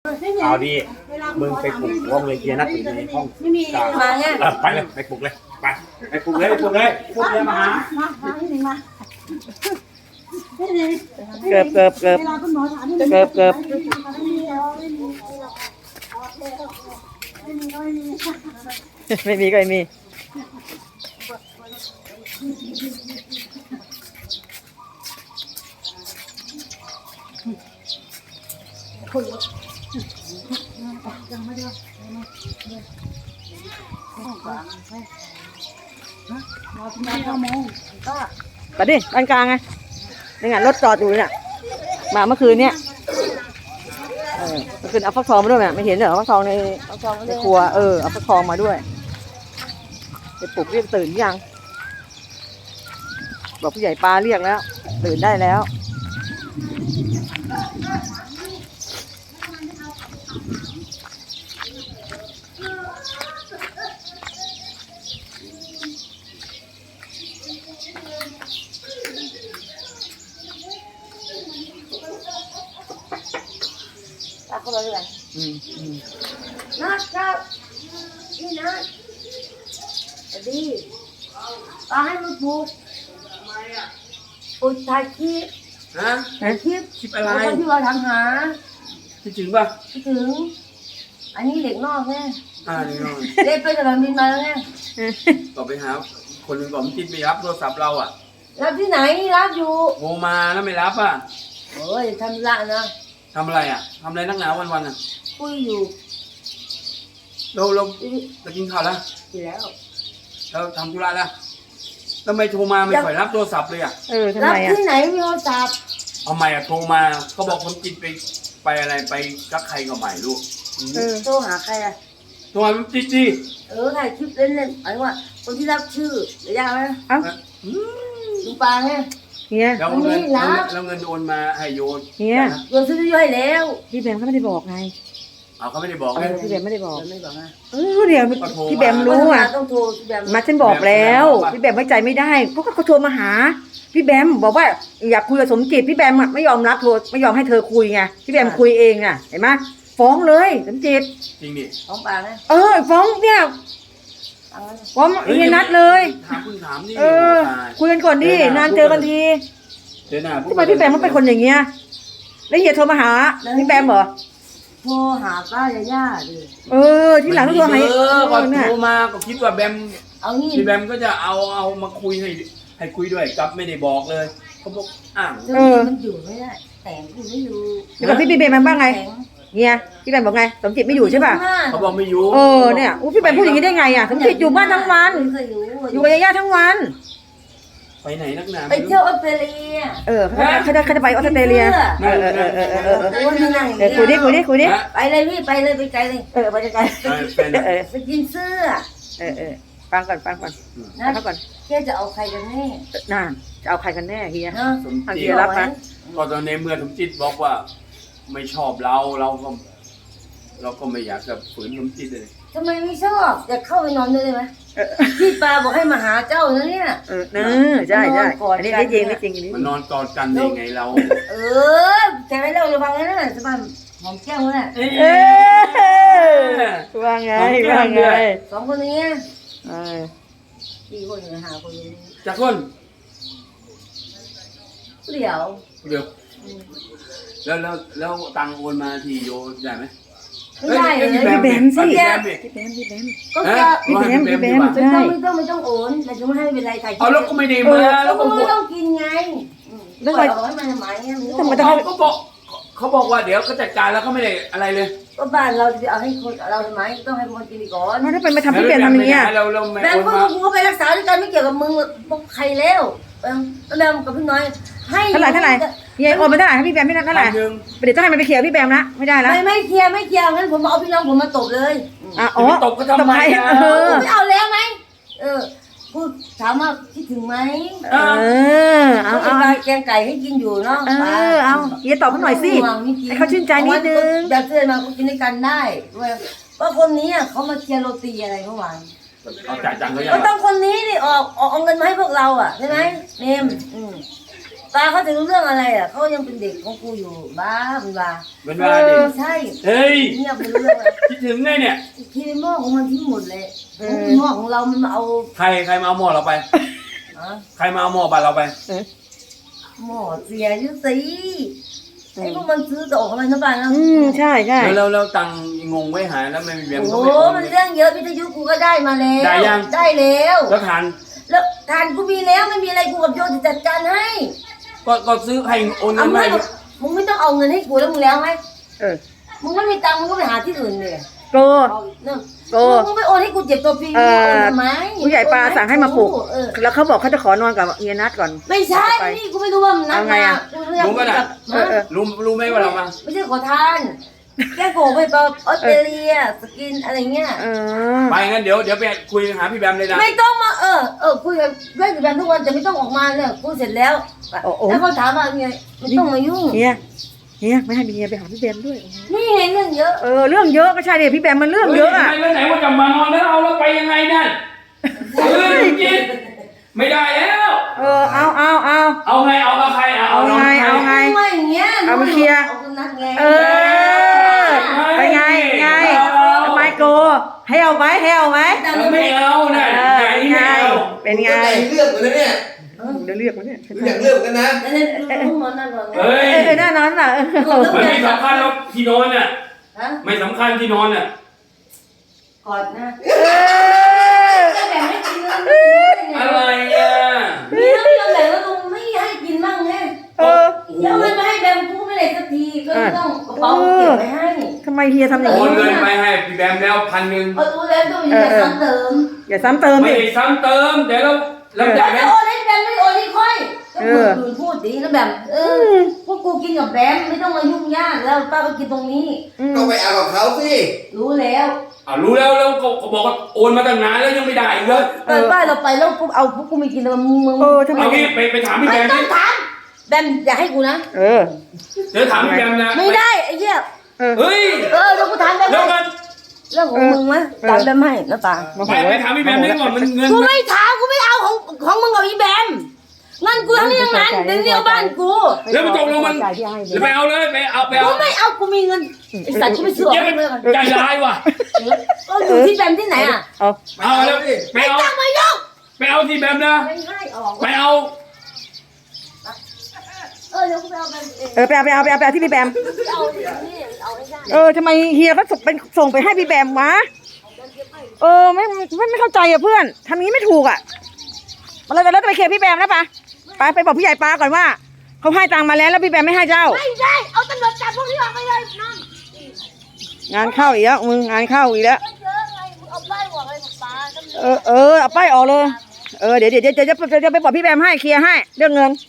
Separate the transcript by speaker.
Speaker 1: เอาดีมึงไปปลุกวงเลยเกียร์นัดอยู่ในห้องกลางไปเลยไปปลุกเลยไปปลุกเลยพวกเรียมาหา
Speaker 2: เกือบไม่มีก็ไม่มีไปดิบ้านกลางไงนี่ไงรถจอดอยู่เนี่ยมาเมื่อคืนเนี่ยเมื่อคืนเอาฟักทองมาด้วยไหมไม่เห็นเหรอฟักทองในครัวเอาฟักทองมาด้วยไปปลุกเรียกตื่นยังบอกผู้ใหญ่ปลาเรียกแล้วตื่นได้แล้วเข้ามาเลย
Speaker 3: นะครับนี่นะดีเอาให้มันปลูกปลูกถ่ายคลิปถ่ายคลิป
Speaker 1: อะไร
Speaker 3: คนที่ว่าทำหา
Speaker 1: คิดถึงป่ะ
Speaker 3: คิดถึงอันนี้เด็กนอกไง
Speaker 1: เด็กนอก
Speaker 3: เล่นไปสนามบินมาแล้วไง
Speaker 1: ต่อไปหาคนนึงก่อนจิตไม่รับโทรศัพท์เราอ่ะ
Speaker 3: รับที่ไหนรับอยู่
Speaker 1: โทรมาแล้วไม่รับอ่ะ
Speaker 3: โอ้ยทำละนะ
Speaker 1: ทำอะไรอ่ะทำอะไรนักหนาวันอ่ะ
Speaker 3: คุยอยู่
Speaker 1: เรากินข้าวแล้ว
Speaker 3: กินแล้ว
Speaker 1: เราทำธุระแล้วทำไมโทรมาไม่ค่อยรับโทรศัพท์เลยอ่ะ
Speaker 2: ทำไมอ่ะ
Speaker 3: รับที่ไหนมีโทรศัพท์
Speaker 1: เอาไม่อ่ะโทรมาเขาบอกคนจิตไปอะไรไปกับใครก็ไม่รู้
Speaker 3: โทรหาใครอ่ะ
Speaker 1: โทรหาจิตดิ
Speaker 3: ถ่ายคลิปเล่นๆหมายว่าคนที่รับชื่อเดี๋ยวยากไหมลุงปาไง
Speaker 2: เนี่ย
Speaker 1: แล้วเงินโอนมาให้โยน
Speaker 2: เนี่ย
Speaker 3: โยนซื้อให้แล้ว
Speaker 2: พี่แบมเขาไม่ได้บอกไง
Speaker 1: เขาไม่ได้บอกเลย
Speaker 2: พี่แบมไม่ได้บอก
Speaker 3: ไม่บอกนะ
Speaker 2: เดี๋ยวพี่แบมรู้อ่ะ
Speaker 3: ต้องโทรพี่แบม
Speaker 2: มาฉันบอกแล้วพี่แบมไว้ใจไม่ได้เขาโทรมาหาพี่แบมบอกว่าอยากคุยกับสมจิตพี่แบมไม่ยอมรับโทรไม่ยอมให้เธอคุยไงพี่แบมคุยเองอ่ะเห็นไหมฟ้องเลยสมจิต
Speaker 1: จริงดิ
Speaker 3: ฟ้องปาไหม
Speaker 2: ฟ้องเนี่ยฟ้องเฮียนัดเลย
Speaker 1: ถามนี่
Speaker 2: คุยกันก่อนดินานเจอกันทีทำไมพี่แบมมันเป็นคนอย่างเงี้ยแล้วเฮียโทรมาหาพี่แบมเหรอ
Speaker 3: โทรหาป้ายาดิ
Speaker 2: ที่หลังต้องโทรหา
Speaker 1: ก่อนโทรมาก็คิดว่าแบม
Speaker 3: เอางี้
Speaker 1: พี่แบมก็จะเอามาคุยให้คุยด้วยกับไม่ได้บอกเลยเขาบอก
Speaker 3: มันอยู่ไม่ได้แต่งไม่อยู่
Speaker 2: แล้วกับพี่แบมมันบ้างไงเนี่ยพี่แบมบอกไงสมจิตไม่อยู่ใช่ป่ะ
Speaker 1: เขาบอกไม่อยู่
Speaker 2: เนี่ยพี่แบมพูดอย่างนี้ได้ไงอ่ะสมจิตอยู่บ้านทั้งวันอยู่กับย่าทั้งวัน
Speaker 1: ไปไหนนักหนา
Speaker 3: ไปเที่ยวออสเตรเลีย
Speaker 2: เขาจะไปออสเตรเลียคุยดิ
Speaker 3: ไปเลยพี่ไปเลยไปไกลเลย
Speaker 2: ไปไกล
Speaker 3: ไปกินเสื้อ
Speaker 2: ฟังก่อนฟังก่อน
Speaker 3: แกจะเอาใครกันแน่
Speaker 2: จะเอาใครกันแน่เฮีย
Speaker 1: สมจิตรับนะก็ตอนในเมื่อสมจิตบอกว่าไม่ชอบเราก็ไม่อยากจะฝืนสมจิตเลย
Speaker 3: ทำไมไม่ชอบอยากเข้าไปนอนด้วยเลยไหมพี่ปาบอกให้มาหาเจ้านะเนี่ย
Speaker 2: ใช่อันนี้จริง
Speaker 1: มันนอนกอดกันได้ไงเรา
Speaker 3: แต่ไม่เล่าระวังนะสบายหอมแก้มเลย
Speaker 2: ว่าไง
Speaker 3: สองคนนี้4 คนหรือ5 คน
Speaker 1: จากคน
Speaker 3: เดี๋ยว
Speaker 1: แล้วตังโอนมาที่โยได้ไหม
Speaker 3: ไม่ได้เลย
Speaker 2: พี่แบมสิ
Speaker 3: ก็จะ
Speaker 2: พี่แบม
Speaker 3: ไม่ต้องโอนแต่จะไม่ให้เป็นไรถ่าย
Speaker 1: แล้วก็ไม่ได้มา
Speaker 3: แล้วก็ไม่ต้องกินไงแล้วไปบอกให้มันทำไม
Speaker 1: เขาบอกว่าเดี๋ยวก็จัดการแล้วเขาไม่ได้อะไรเลย
Speaker 3: ก็บ้านเราจะเอาให้คนเราทำไมต้องให้คนกินก่อน
Speaker 2: ถ้าเป็นมาทำพี่แบมทำอย่างเงี้ย
Speaker 3: แต่ก็ไปรักษาด้วยกันไม่เกี่ยวกับมึงบอกใครแล้วแล้วกับพี่น้อยให้
Speaker 2: เท่าไหร่เฮียโอนมาเท่าไหร่ให้พี่แบมไม่นับเท่าไหร่เดี๋ยวต้องให้มันไปเคลียร์พี่แบมนะไม่ได้แล้ว
Speaker 3: ไม่เคลียร์งั้นผมเอาพี่น้องผมมาตบเลย
Speaker 1: ตบก็ทำไม
Speaker 3: ไม่เอาแล้วไหมพูดถามว่าคิดถึงไหมเอาแกงไก่ให้กินอยู่เนาะ
Speaker 2: เอาเฮียตอบเขาหน่อยสิให้เขาชื่นใจนิดนึง
Speaker 3: แบบเพื่อนมากินด้วยกันได้ว่าคนนี้เขามาเคลียร์โรตีอะไรเมื่อวาน
Speaker 1: เอาจ่ายจังเลย
Speaker 3: ก็ต้องคนนี้ดิออกเงินมาให้พวกเราใช่ไหมเนมตาเขาจะรู้เรื่องอะไรอ่ะเขายังเป็นเด็กของกูอยู่บ้าเป็นบ้า
Speaker 1: เป็นว่าดิ
Speaker 3: ไม่ใช่
Speaker 1: เฮ้ย
Speaker 3: เงียบไปรู้เรื่องอะไร
Speaker 1: คิดถึงไงเนี่ย
Speaker 3: ทีในหม้อของมันทิ้งหมดเลยหม้อของเรามันมาเอา
Speaker 1: ใครมาเอาหม้อเราไป ใครมาเอาหม้อบ้านเราไป
Speaker 3: หม้อเสียอยุ่สิไอ้พวกมันซื้อจะออกอะไรนะบ้านนะ
Speaker 2: ใช่ใช่
Speaker 1: แล้วตังค์งงไว้หายแล้วไม่มีแบมก็
Speaker 3: โอ้
Speaker 1: ไม่โอน
Speaker 3: มันเรื่องเยอะวิทยุกูก็ได้มาแล้ว
Speaker 1: ได้ยัง
Speaker 3: ได้แล้ว
Speaker 1: แล้วทาน
Speaker 3: แล้วทานกูมีแล้วไม่มีอะไรกูกับโยจะจัดการให้
Speaker 1: ก็ซื้อให้โอนเงิ
Speaker 3: เอา
Speaker 1: น
Speaker 3: ไม่
Speaker 1: มา
Speaker 3: มึงไม่ต้องเอาเงินให้กูแล้วมึงแล้วไหม
Speaker 2: เออ
Speaker 3: มึงไม่มีตังค์มึงก็ไปหาที่อื่นเลย
Speaker 2: โก
Speaker 3: มึงไปโอนให้กูเจ็บตัวฟรี
Speaker 2: เอ
Speaker 3: มึง
Speaker 2: อ
Speaker 3: โอนทำไม
Speaker 2: ผู้ใหญ่ปลาสั่งให้มาปลุก
Speaker 3: เออ
Speaker 2: แล้วเขาบอกเขาจะขอนอนกับเฮียนัทก่อน
Speaker 3: ไม่ใช่นี่กูไม่รู้ว่ามันนัด
Speaker 2: เอาไง
Speaker 3: มา
Speaker 2: อะ
Speaker 3: กูเรื่อง
Speaker 1: รู้ป่ะน่ะ รู้ไหมว่าเรามา
Speaker 3: ไม่ใช่ขอทานแก้โกไปออสเตรเลียสกินอะไรเงี้ย
Speaker 2: เออ
Speaker 1: ไปงั้นเดี๋ยวไปคุยหาพี่แบมเลยนะ
Speaker 3: ไม่ต้องมาคุยกับเพื่อนกับแบมทุกวันแต่ไม่ต้องออกมาเนี่ยกูเสร็จแล้วแล้วเขาถามว่าไงไม่ต้องมายุ่ง
Speaker 2: เฮียไม่ให้เฮียไปหาพี่แบมด้วย
Speaker 3: นี่ไงเรื่องเยอะ
Speaker 2: เรื่องเยอะก็ใช่ดิพี่แบมมันเรื่องเยอะอ่ะ
Speaker 1: แล้วไหนว่าจะมานอนแล้วเอาแล้วไปยังไงนั่นกินไม่ได้แล้ว
Speaker 2: เอา
Speaker 1: เอาไงเอากับใครเอา
Speaker 2: เอาไง
Speaker 3: ไม่อย่างเงี้ย
Speaker 2: เอามาเคลียร์
Speaker 3: เอาคนนัดไง
Speaker 2: ไปไงทำไมโกให้เอาไหม
Speaker 1: ไม่เอาน่ะไหนไม่เอา
Speaker 2: เป็นไง
Speaker 4: เลือกกันนะเนี่ย
Speaker 2: เดี๋ยวเรียกมาเนี่ย
Speaker 4: อยากเลือกกันนะ
Speaker 3: นั่นลูกนอนนั่นนอน
Speaker 1: เฮ้ย
Speaker 2: หน้านอนน่ะ
Speaker 1: มันไม่สำคัญหรอกที่นอนน่ะ
Speaker 3: ฮะ
Speaker 1: ไม่สำคัญที่นอนน่ะ
Speaker 3: กอดนะแต่แบบไม่กินแล้ว
Speaker 1: อะไรอ่ะ
Speaker 3: มีน้ำยาแบบว่าลุงไม่ให้กินบ้างไงแล้วมันมาให้แบมกูไม่ได้สักทีก็ต้องกระเป๋าเก็บไว้ให้
Speaker 2: ทำไมเฮียทำอย่าง
Speaker 1: โอ
Speaker 2: นี้
Speaker 1: นเงินไปให้พี่แบมแล้ว1,000
Speaker 3: รู้แล้วต้องมีการซ้ำเติม
Speaker 2: อย่าซ้ำเติม
Speaker 1: ไม่
Speaker 2: ดิ
Speaker 1: ได้ซ้ำเติมแต่เราอ
Speaker 3: แล้
Speaker 1: ยาว กให้
Speaker 3: จะโอนให้แบมไม่โอนให้ค่อยก็ดูพูดดีแล้วแบบพวกกูกินกับแบมไม่ต้องมายุ่งยากแล้วป้าก็กินตรงนี้
Speaker 4: ก็ไปเอากับเขาสิ
Speaker 3: รู้แล้ว
Speaker 1: รู้แล้วก็บอกว่าโอนมาตั้งนานแล้วยังไม่ได้อีกเลย
Speaker 3: ป้าเราไปแล้วกูเอาพวกกูไม่กินแล้วมึง
Speaker 2: ทำไม
Speaker 1: เอางี้ไปถามพี่
Speaker 3: ไม่
Speaker 1: แบม
Speaker 3: ต้องถามแบมอย่าให้กูนะ
Speaker 1: เดี๋ยวถามพี่แบมนะ
Speaker 3: ไม่ได้ไอ้เหี้ย
Speaker 1: เฮ้ย
Speaker 3: เรากูถามแบม
Speaker 1: แล้วกัน
Speaker 3: เรื่องของมึงไหมถามแบมให้นะป่า
Speaker 1: ไปถามพี่แบมได้ก่อนมันเงิน
Speaker 3: กูไม่ถามกูไม่เอาของมึงกับอีแบมเงินกูทั้งนี้ทั้งนั้นเดี๋ยวนี้เอาบ้านกู
Speaker 1: แล้วมันตกลงมันไปเอาเลยไปเอา
Speaker 3: กูไม่เอากูมีเงินไอ้สัตว์กูไม่ซื้อ
Speaker 1: เย
Speaker 3: เอา
Speaker 1: อะ
Speaker 3: เลย
Speaker 1: ใจร้ายว่ะ
Speaker 3: ก็อยู่ที่แบมที่ไหนอ่ะ
Speaker 1: เอาแล้วไป
Speaker 3: ไม่
Speaker 1: เอา
Speaker 3: ต้องมายุ่ง
Speaker 1: ไปเอาที่แบมนะ
Speaker 3: ไม่ให้ออก
Speaker 1: ไปเอา
Speaker 3: เดี๋ยวกูไปเอาแบมเอง
Speaker 2: ไปเอาที่พี่แบม
Speaker 3: เอาที่นี่เอาให้ได้
Speaker 2: ทำไมเฮียก็ส่งไปให้พี่แบมวะไม่เข้าใจอ่ะเพื่อนทำนี้ไม่ถูกอ่ะแล้วจะไปเคลียร์พี่แบมแล้วปะไปบอกพี่ใหญ่ปลาก่อนว่าเขาให้ตังค์มาแล้วพี่แบมไม่ให้เจ้า
Speaker 3: ไม่ได้เอาตำรวจจับพวกนี้ออกไปเลยน้อง
Speaker 2: งานเข้าอีกแล้วมึงงานเข้าอีกแล้ว
Speaker 3: เยอะไงมึงเอาป้ายบอกอะไรบอกป้า
Speaker 2: เอาป้ายออกเลยเดี๋ยวจะไปบอกพี่แบมให้เคลียร์ให้เรื่องเงิน